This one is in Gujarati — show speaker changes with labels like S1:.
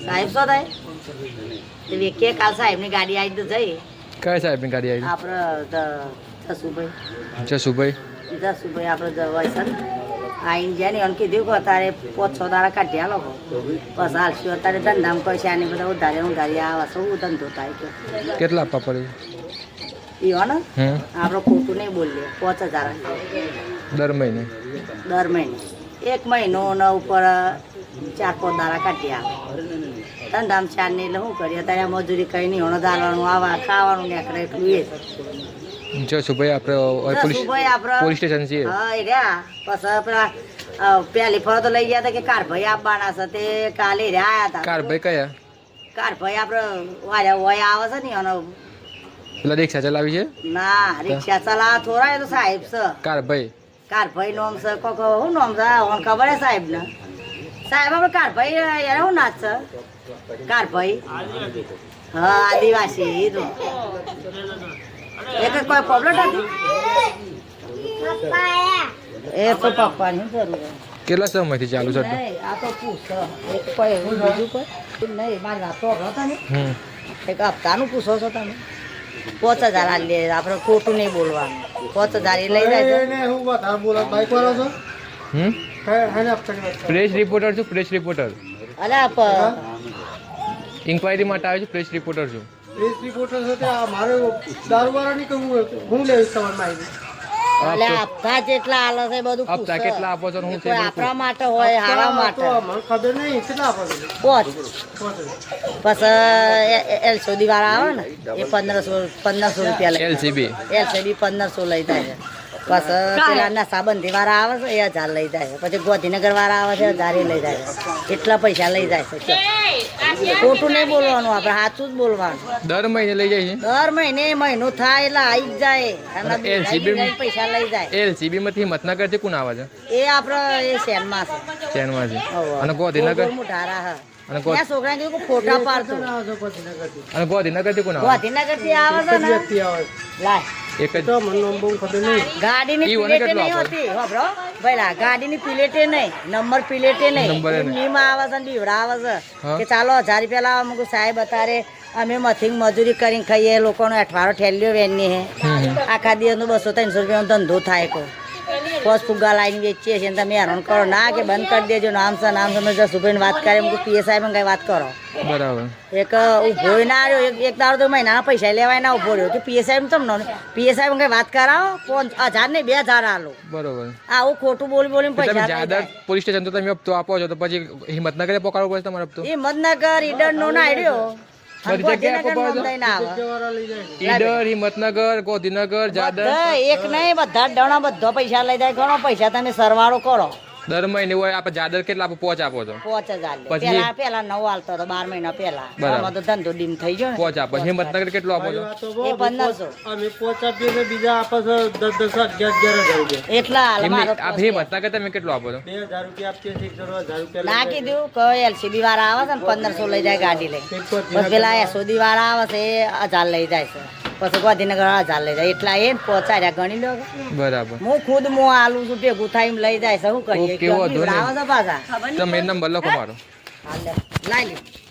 S1: સાહેબ શું થાય તે વેકે કાલ સાહેબની ગાડી આવી તો જઈ
S2: કયા સાહેબની ગાડી આવી
S1: આપણે
S2: જસુભાઈ
S1: આપણે જવાય છે ને આઈને જાય ને એને કીધું કે અત્યારે 5-6 દાડા કાઢ્યા લોકો બસ હાલશું અત્યારે ધંધામ કરશે આની બધા ઉધારી આવે શું ધંધો થાય કે
S2: કેટલા આપવા પડે
S1: એવો ને આપણે ખોટું નહીં બોલીએ 5000
S2: દર મહિને
S1: 1 મહિનો ને ઉપર 4-5 દાડા કાઢી આવે ધંધામ ચાર ને એટલે શું કરીએ અત્યારે મજૂરી કઈ નહીં હોનો દાલવાનું આવા ખાવાનું નીકળે એટલું એ
S2: જસુભાઈ આપણે પોલીસ સ્ટેશન છીએ
S1: હા એ રહ્યા પછી પેલા પહેલી ફરો તો લઈ ગયા હતા કે કારભાઈ આપવાના છે તે કાલે રહ્યા આવ્યા હતા
S2: કારભાઈ કયા
S1: કારભાઈ આપણે વાયા વયા આવે છે ને એનો
S2: પેલા રિક્ષા ચલાવી છે
S1: ના રિક્ષા ચલાવવા થોડા એ તો સાહેબ છે કારભાઈ નોમ છે કોક શું નોમ છે ખબર હે સાહેબ ને સાહેબ આપણે કારભાઈ યાર શું નાચ છે કારભાઈ હા આદિવાસી એ તો એક કોઈ પ્રોબ્લેમ નથી એ તો પપ્પાની જરૂર
S2: કેટલા સમયથી ચાલુ છે
S1: આ તો પૂછ એક કોઈ બીજું કોઈ નહીં મારી વાત તો હતા ને એક હપ્તાનું પૂછો છો તમે 5000 આ લે આપણે ખોટું નહીં બોલવાનું 5000 એ લઈ જાય
S2: પ્રેસ રિપોર્ટર છું પ્રેસ રિપોર્ટર
S1: અલ્યા
S2: ઇન્ક્વાયરી માટે આવ્યો છું પ્રેસ રિપોર્ટર છું
S3: પ્રેસ રિપોર્ટર સાથે મારે દારૂવાળાની કહું હું લઈશ તમારી માહિતી
S1: અલ્યા હપ્તા જેટલા હાલે છે બધું
S2: હપ્તા કેટલા આપો છો હું
S1: કોઈ આપણા માટે હોય હારા માટે
S3: મને ખબર નહીં કેટલા આપો છો
S1: 5 પછી એલસીબી વાળા આવે ને એ 1500 રૂપિયા લે
S2: એલસીબી
S1: 1500 લઈ જાય પછી પેલા નશાબંધી વાળા આવે છે એ 1000 લઈ જાય પછી ગોધીનગર વાળા આવે છે 1000 લઈ જાય એટલા પૈસા લઈ જાય છે ખોટું નહીં બોલવાનું આપણે સાચું જ બોલવાનું
S2: દર મહિને લઈ જાય છે
S1: દર મહિનો થાય એટલે આવી જ જાય અને પૈસા લઈ જાય
S2: એલસીબી માંથી હિંમતનગર થી કોણ આવે છે
S1: એ આપણે એ શહેરમાં છે
S2: ચેનમાં છે અને ગોધીનગર
S1: મોટારા હા
S2: અને
S1: ત્યાં છોકરા કીધું કે ફોટા પાડતો
S2: અને ગોધીનગર થી કોણ આવે
S1: ગોધીનગર થી આવે છે ને લાય
S2: એક જ
S3: તો મને બહુ ખબર નહીં
S1: ગાડીની પ્લેટે નહીં હોતી હોબરો ભઈલા ગાડીની પ્લેટે નહીં નંબર પ્લેટે નહીં નીમ આવે છે ને બીવડા આવે છે કે ચાલો 1000 રૂપિયા લાવો મુકુ સાહેબ અતારે અમે મથિંગ મજૂરી કરીને ખાઈએ લોકોનો અઠવારો ઠેલ્યો વેનની હે આખા દિવસનો 200-300 રૂપિયાનો ધંધો થાય કો પોસ ફુગ્ગા લાઈને વેચીએ છીએ તમે હેરાન કરો ના કે બંધ કરી દેજો નામ છે મેં જસુભાઈને વાત કરે એમ પીએસઆઈ માં કઈ વાત કરો
S2: બરાબર
S1: એક ઉભો ના રહ્યો એક દાડો તો મહિનાના પૈસા લેવાય ના ઉભો રહ્યો કે પીએસઆઈ તમને પીએસઆઈ માં કઈ વાત કરાવો 1000 નહીં 2000 આલો
S2: બરોબર
S1: આવું ખોટું બોલી પૈસા
S2: જાદર પોલીસ સ્ટેશન તો તમે હપ્તો આપો છો તો પછી હિંમતનગર પકડવો પડે તમારો હપ્તો
S1: હિંમતનગર ઈડર નો ના આડ્યો
S2: બધી જગ્યાએ ઈડર હિંમતનગર ગોધીનગર જાદર
S1: એક નહીં બધા ડણા બધા પૈસા લઈ જાય ઘણો પૈસા તમે સરવાળો કરો
S2: દર મહિને હોય આપણે જાદર કેટલા આપો 5 આપો છો
S1: 5000 પેલા 9 આલતો હતો 12 મહિના પેલા આમાં તો ધંધો ડીમ થઈ ગયો ને
S2: 5 આપો હિંમતનગર કેટલો આપો છો
S1: એ 1500
S3: અમે 5 આપીએ ને બીજા આપે છે 10-11,000 રૂપિયા
S1: એટલા હાલ મારો
S2: આ હિંમતનગર તમે કેટલો આપો છો
S3: 2000 રૂપિયા આપીએ છીએ 1000 રૂપિયા
S1: ના કીધું કે એલસીબી વાળા આવે છે ને 1500 લઈ જાય ગાડી લઈ બસ પેલા એસોદી વાળા આવે છે એ 1000 લઈ જાય છે પછી ગાંધીનગર 1000 લઈ જાય એટલા એ પહોંચાડ્યા ગણી લો
S2: બરાબર
S1: હું ખુદ આલું છું ભેગું થાય લઈ જાય છે શું કરીએ
S2: કેવો
S1: આવે છે પાછા
S2: તમે નંબર લખો મારો
S1: લાઈ લે